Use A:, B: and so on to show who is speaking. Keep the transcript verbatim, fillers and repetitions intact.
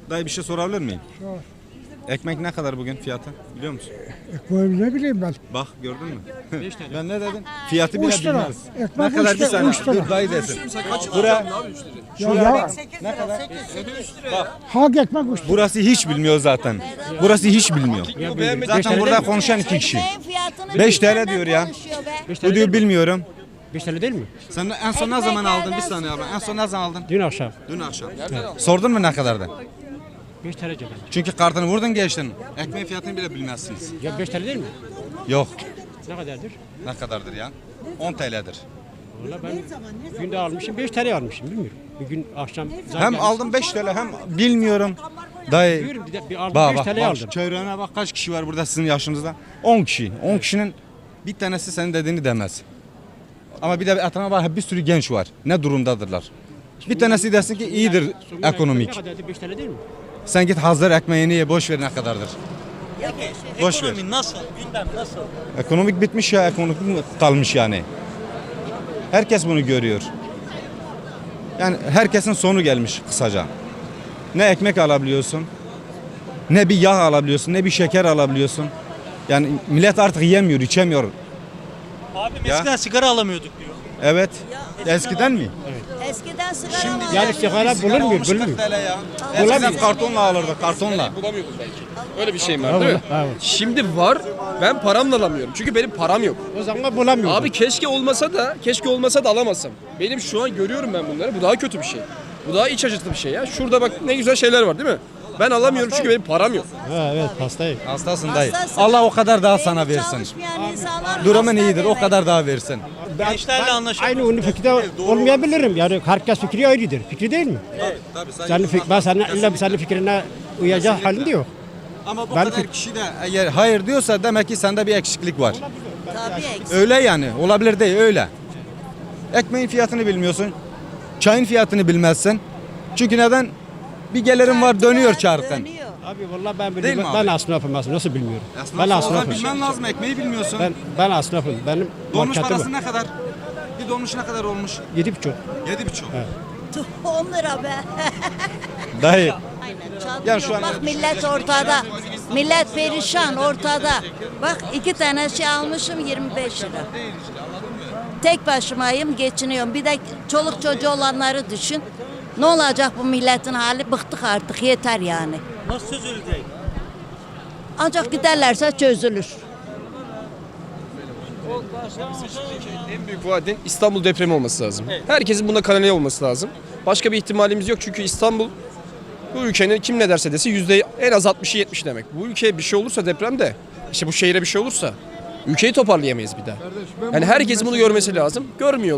A: Dayı bir şey sorabilir miyim? Sor. Ekmek ne kadar bugün fiyatı biliyor musun?
B: Ekmeği ne bileyim ben.
A: Bak gördün mü? Ben ne dedim? Fiyatı bile
B: Üç lira.
A: bilmez.
B: Ekmek
A: Ne kadar
B: üç
A: bir
B: lira,
A: saniye.
B: üç lira.
A: Dur dayı desin. Bura,
B: Ya, ya,
A: ne kadar?
B: hak ekmek üç lira.
A: Burası hiç bilmiyor zaten. Burası hiç bilmiyor. Zaten burada konuşan iki kişi. beş T L diyor ya. Bu diyor bilmiyorum.
C: beş T L değil mi?
A: Sen en son ne zaman aldın? Bir saniye abi. En son ne zaman aldın?
C: Dün akşam.
A: Dün akşam. Sordun mu ne kadardı?
C: beş T L cebim.
A: Çünkü kartını vurdun geçtin. Ekmeğin fiyatını bile bilmezsiniz.
C: Ya beş T L değil mi?
A: Yok.
C: Ne kadardır?
A: Ne kadardır ya? on T L'dir.
C: Valla ben günde almışım beş T L almışım bilmiyorum. Bir gün akşam zam
A: Hem
C: gelmiş.
A: aldım beş T L hem bilmiyorum. Dayı.
C: Biliyorum, bir, de, bir aldım
A: Bak
C: beş
A: bak,
C: T L
A: bak
C: aldım.
A: çevrene bak kaç kişi var burada sizin yaşınızda? on kişi. on kişinin bir tanesi senin dediğini demez. Ama bir de etrafına bak bir sürü genç var. Ne durumdadırlar? Bir tanesi desin ki iyidir
C: Sonunda
A: ekonomik.
C: Ne kadardır beş T L değil mi?
A: Sen git hazır ekmeğini ye boş ver ne kadardır. Boş ver.
D: Ekonomi nasıl? Gündem nasıl?
A: Ekonomik bitmiş ya ekonomik kalmış yani. Herkes bunu görüyor. Yani herkesin sonu gelmiş kısaca. Ne ekmek alabiliyorsun, ne bir yağ alabiliyorsun, ne bir şeker alabiliyorsun. Yani millet artık yemiyor, içemiyor.
D: Abi
A: Ya.
D: eskiden sigara alamıyorduk diyor.
A: Evet. Eskiden mi?
E: Eskiden sigara
A: Şimdi
E: vardı.
C: Yani sigara bulunmuyor,
A: Olmuş
C: bulunmuyor.
A: kırk T L ya. Eskiden kartonla alırdı, kartonla.
F: Bulamıyordum belki. Öyle bir şey var değil mi?
C: Evet.
F: Şimdi var. Ben paramla alamıyorum. Çünkü benim param yok.
C: O zaman bulamıyordum.
F: Abi keşke olmasa da, keşke olmasa da alamazsam. Benim şu an görüyorum ben bunları. Bu daha kötü bir şey. Bu daha iç acıtı bir şey ya. Şurada bak ne güzel şeyler var değil mi? Ben alamıyorum çünkü benim param yok.
C: Ha, evet hastayım.
A: Hastasın dayı.
E: Hastasın.
A: Allah o kadar daha sana
E: Beyni
A: versin.
E: çalışmayan insanlar
A: Durumun
E: hasta
A: iyidir, o
E: demek.
A: kadar daha versin.
D: Gençlerle anlaşamıyor.
C: Aynı onun fikri olmayabilirim. Yani herkes fikri ayrıdır. Fikri değil mi?
A: Tabii,
C: Senin fik ben senin illa senin fikrine uyacak halinde yok.
A: Ama bu
C: Ben
A: kadar
C: fik-
A: kişi de eğer hayır diyorsa demek ki sende bir eksiklik var.
E: Tabii eksik.
A: Öyle yani. Olabilir değil öyle. Ekmeğin fiyatını bilmiyorsun. Çayın fiyatını bilmezsin. Çünkü neden? Bir gelirim var dönüyor çarkın.
E: Dönüyor.
C: Abi vallahi ben
A: Değil
C: bilmiyorum.
A: mi abi?
C: Ben esnafım aslında. Nasıl bilmiyorum?
A: Aslında
C: ben
A: ben
C: esnafım.
A: bilmen lazım. Ekmeği bilmiyorsun.
C: Ben ben esnafım. Benim
A: Dolmuş
C: marketim
A: parası
C: var.
A: ne kadar? Bir dolmuş ne kadar olmuş?
C: Yedi buçuk.
A: Yedi buçuk.
E: Tuh, on lira be.
A: Dayı.
E: Aynen. Çatıyor.
A: Yani şu an-
E: Bak millet ortada. Millet perişan ortada. Bak iki tane şey almışım yirmi beş lira. Tek başımayım geçiniyorum. Bir de çoluk çocuğu olanları düşün. Ne olacak bu milletin hali? Bıktık artık yeter yani.
D: Nasıl çözülecek?
E: Ancak giderlerse çözülür.
F: En büyük vaadin İstanbul depremi olması lazım. Herkesin buna kanalize olması lazım. Başka bir ihtimalimiz yok çünkü İstanbul bu ülkenin kim ne derse desin yüzde en az altmışı yetmiş demek. Bu ülkeye bir şey olursa depremde, işte bu şehire bir şey olursa ülkeyi toparlayamayız bir daha. Yani herkesin bunu görmesi lazım. Görmüyor.